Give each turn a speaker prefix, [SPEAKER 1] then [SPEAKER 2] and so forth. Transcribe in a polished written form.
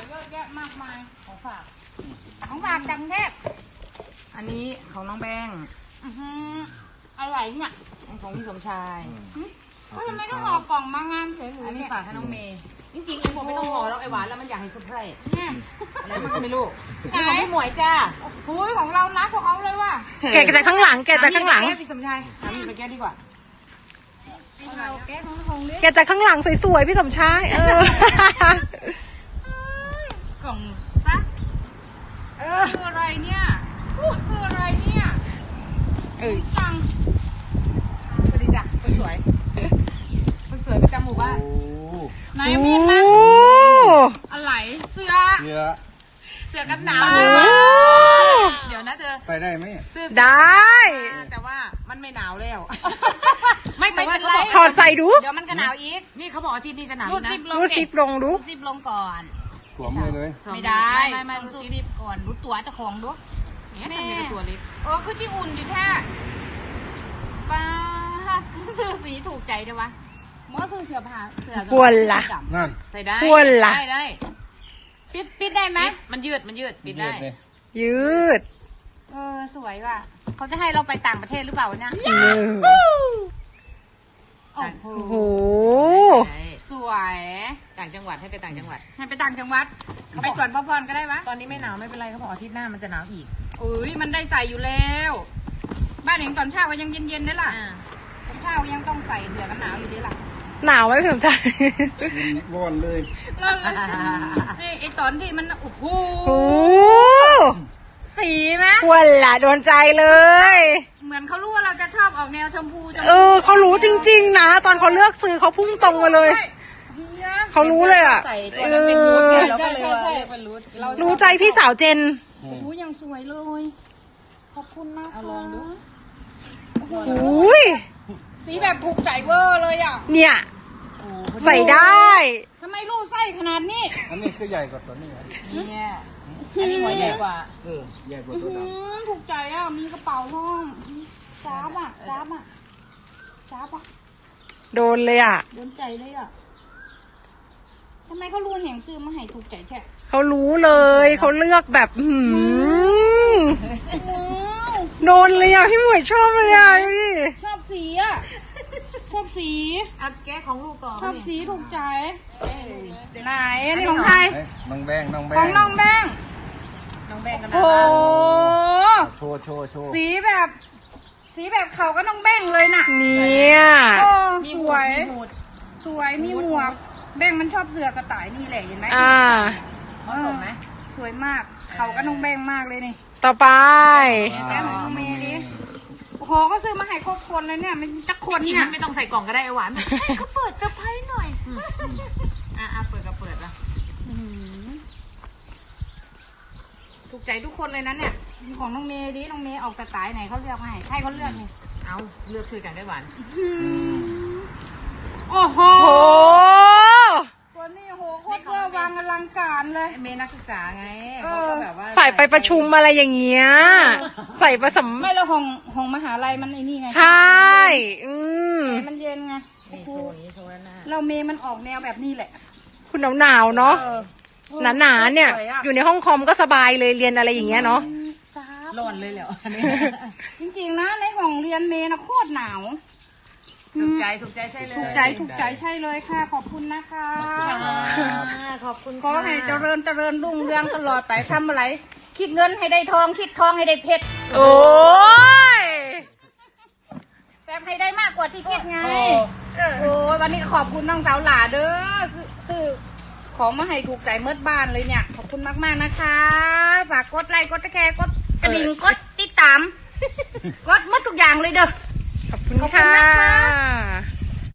[SPEAKER 1] เยอะแยะมากมายของฝากจากกรุงเทพ
[SPEAKER 2] อันนี้ของน้องแบงค์
[SPEAKER 1] อะไรเนี่ย
[SPEAKER 2] ของพี่สมชาย
[SPEAKER 1] ทำไมต้องห่อกล่องมางานเฉยๆ
[SPEAKER 2] อันนี้
[SPEAKER 1] เนี่ย
[SPEAKER 2] ฝากให้น้องเมย์จริงๆไอ้ผมไม่ต้องห่อแล้วไอ้หวานแล้วมันอยากให้เซอร์ไพรส์
[SPEAKER 1] เนี่ย
[SPEAKER 2] อะไรมันก็ไม่รู้นี่ของพี่หมวยจ้า
[SPEAKER 1] หุยของเรานักกว่าเขาเลยว่ะ
[SPEAKER 3] แกะจากข้างหลัง แกะจากข้างหลัง
[SPEAKER 2] พี่สมชายถามพี่ไปแก้ดีกว่า
[SPEAKER 1] เราแก้ของของเล็ก
[SPEAKER 3] แกะจากข้างหลังสวยๆพี่สมชาย
[SPEAKER 1] กล่องซะคืออะไรเนี่ยคืออะไรเนี่ยตัง
[SPEAKER 2] สวัสดีจ้ะคนสวยคนสวยประจำหมู่บ้าน
[SPEAKER 1] ไหนมีดนะ
[SPEAKER 3] โอ้
[SPEAKER 1] อะไรเสื้อ
[SPEAKER 2] เสื้อกันหนาวเดี๋ยวนะเธอ
[SPEAKER 4] ไปได้ไหม
[SPEAKER 3] ได้
[SPEAKER 2] แต่ว่ามันไม่หนาวแล้วไม่แต่ว่า
[SPEAKER 3] ถอดใส่ดู
[SPEAKER 1] เดี๋ยวมันก็หนาวอีก
[SPEAKER 2] นี่เขาบอกอาทิตย์นี้จะหนาว
[SPEAKER 1] รูด
[SPEAKER 2] นะ
[SPEAKER 1] ซิปลง
[SPEAKER 3] ดูซิปลงดู
[SPEAKER 1] รูดซิปลงก่อน
[SPEAKER 4] สวมเลย
[SPEAKER 1] ไม่ได้
[SPEAKER 2] ไม่
[SPEAKER 1] ต้องรูดซิปก่อนรู้ตัวเจ้าของดู
[SPEAKER 2] เนี่ยทำยังไงตัวเล็ก
[SPEAKER 1] คือที่อุ่นอยู่แท้ป้าซื้อสีถูกใจเดี๋ยววะเมื่อซื้อเสื้อผ้าเสื้อ
[SPEAKER 3] ควรล่ะ
[SPEAKER 4] นั่น
[SPEAKER 2] ใส่ได้
[SPEAKER 3] ควรล่ะ
[SPEAKER 2] ได้
[SPEAKER 1] ปิดได้ไหม
[SPEAKER 2] มันยืดปิดได้
[SPEAKER 3] ยืด
[SPEAKER 1] สวยว่ะเขาจะให้เราไปต่างประเทศหรือเปล่าเนี่ยโอ้โห
[SPEAKER 3] โอ้โห
[SPEAKER 1] สวย
[SPEAKER 2] ต่างจังหวัดให้ไปต่างจังหวัด
[SPEAKER 1] ให้ไปต่างจังหวัดไปก่อนพ่อพรก็ได้ปะ
[SPEAKER 2] ตอนนี้ไม่หนาวไม่เป็นไรเขาบอกอาทิตย์หน้ามันจะหนาวอีก
[SPEAKER 1] อุ้ยมันได้ใส่อยู่แล้ว บ้านเองตอนเช้าก็ยังเย็นๆได้ล่ะตอนเช้ายังต้องใส่เสื้อกันหนาวอยู่ดีล่ะ
[SPEAKER 3] หนาวไหมพี่สมชาย
[SPEAKER 4] ร้อนเลย
[SPEAKER 1] แล้วนี่ไอตอนที่มันโอ้โห
[SPEAKER 3] โอ้
[SPEAKER 1] สีไหม
[SPEAKER 3] ควรล่ะโดนใจเลย
[SPEAKER 1] เหมือนเขารู้ว่าเราจะชอบออกแนวชมพู
[SPEAKER 3] เขารู้จริงๆนะ ตอนเขาเลือกซื้อเขาพุ่งตรงมาเลย เขารู้เลยอ่ะ
[SPEAKER 2] ใส่ตัวนั้นเป็นรูทไงเราก็เลยว่าเรียกเป็นรูท
[SPEAKER 3] รู้ใจพี่สาวเจน
[SPEAKER 1] โอ้โหยังสวยเลยขอบคุณมาก
[SPEAKER 2] เอาลองดู
[SPEAKER 3] อุ้ย
[SPEAKER 1] สีแบบถูกใจเวอร์เลยอ่ะ
[SPEAKER 3] เนี่ย ใส่ได้
[SPEAKER 1] ทำไมรูดไส้ขนาดนี้
[SPEAKER 4] อันนี้คือใหญ่กว่าตัวนี้
[SPEAKER 2] เนี่ยอันนี้หัวใหญ่กว่า
[SPEAKER 4] ใหญ่กว่าตัวด
[SPEAKER 1] ถูกใจอ่ะมีกระเป๋าห้องจ้าบอ่ะจ้าบอ่ะจ้าบอ่ะ
[SPEAKER 3] โดนเลยอ่ะ
[SPEAKER 1] โดนใจเลยอ่ะทำไมเขารู้แห่งซื้อมาให้ถูกใจแท้
[SPEAKER 3] เขารู้เลย เขาเลือกแบบโดนเลยอ่ะพี่หมวยชอบเลยอ่ะดูดิ
[SPEAKER 1] ชอบสีอ่ะชอบสี
[SPEAKER 2] เอาแก้ของลูกก่อน
[SPEAKER 1] ชอบสีถูกใจไหนอันนี้ของใคร
[SPEAKER 4] ำน้องแบง
[SPEAKER 1] ของน้องแบง
[SPEAKER 2] น้องแบงกันนะ
[SPEAKER 1] โอ้
[SPEAKER 4] โชว์
[SPEAKER 1] สีแบบเขาก็น้องแบงเลยน่ะ
[SPEAKER 3] เนี่ย
[SPEAKER 1] สวยสวยมีหมวกแบงมันชอบเสื้อสไตล์นี่แหละเห็นไหม
[SPEAKER 2] เหมาะสมไหม
[SPEAKER 1] สวยมากเขาก็น้องแบงมากเลยนี่
[SPEAKER 3] ต่อไป
[SPEAKER 1] แบงของน้องเมย์ดิโอ้โหก็ซื้อมาให้ครบคนเลยเนี่ยมันจะคน
[SPEAKER 2] จริง
[SPEAKER 1] เนี่ย
[SPEAKER 2] ไม่ต้องใส่กล่องก็ได้ไอ้หวานก็เปิดกระไพหน่อยเปิดก็เปิดละ
[SPEAKER 1] ถูกใจทุกคนเลยนะเนี่ยของน้องเมย์ดิน้องเมย์ออกสไตล์ไหนเขาเลือกมาให้ใครเขาเลือกนี่
[SPEAKER 2] เอาเลือกช่วยกันได้หวาน
[SPEAKER 1] โอ้โห
[SPEAKER 3] โอ้
[SPEAKER 1] ตัวนี้โหโคตรเวอร์วังอลังการเลย
[SPEAKER 2] เมย์นักศึกษาไงเขาก็แบบว่า
[SPEAKER 3] ใส่ไปประชุมอะไรอย่างเงี้ย ใส่ผสม
[SPEAKER 1] ไม่แล้วของมหาลัยมันไอ้นี่ไง
[SPEAKER 3] ใช่
[SPEAKER 1] มันเย็นไง
[SPEAKER 2] นี่โชว์นี้โชว์หน้า
[SPEAKER 1] เราเมย์มันออกแนวแบบนี้แหละ
[SPEAKER 3] คุณหนาวๆเนาะ หนาๆเนี่ย อยู่ในห้องคอมก็สบายเลยเรียนอะไรอย่างเงี้ยเนาะ
[SPEAKER 1] จ้า
[SPEAKER 2] ร้อนเลยเหรออันนี้
[SPEAKER 1] จริงๆนะในห้องเรียนเมย์นะโคตรหนาว
[SPEAKER 2] ถูกใจใช่เลย
[SPEAKER 1] ถูกใจใช่เลยค่ะ ขอบคุณนะคะ
[SPEAKER 2] ขอบคุณ
[SPEAKER 1] ขอให้เจริญรุ่งเรืองตลอดไปทำอะไร คิดเงินให้ได้ทองคิดทองให้ได้เพชร
[SPEAKER 3] โอ้ย
[SPEAKER 1] แบบให้ได้มากกว่าที่คิดไงโอ้ยวันนี้ขอบคุณน้องสาวหลาเด้อซื้อของมาให้ถูกใจเมื่อบ้านเลยเนี่ย ขอบคุณมากๆนะคะฝากกดไลค์กดแชร์กดกระดิ่งกดติดตามกดหมดทุกอย่างเลยเด้อ
[SPEAKER 3] ขอบคุณค่ะ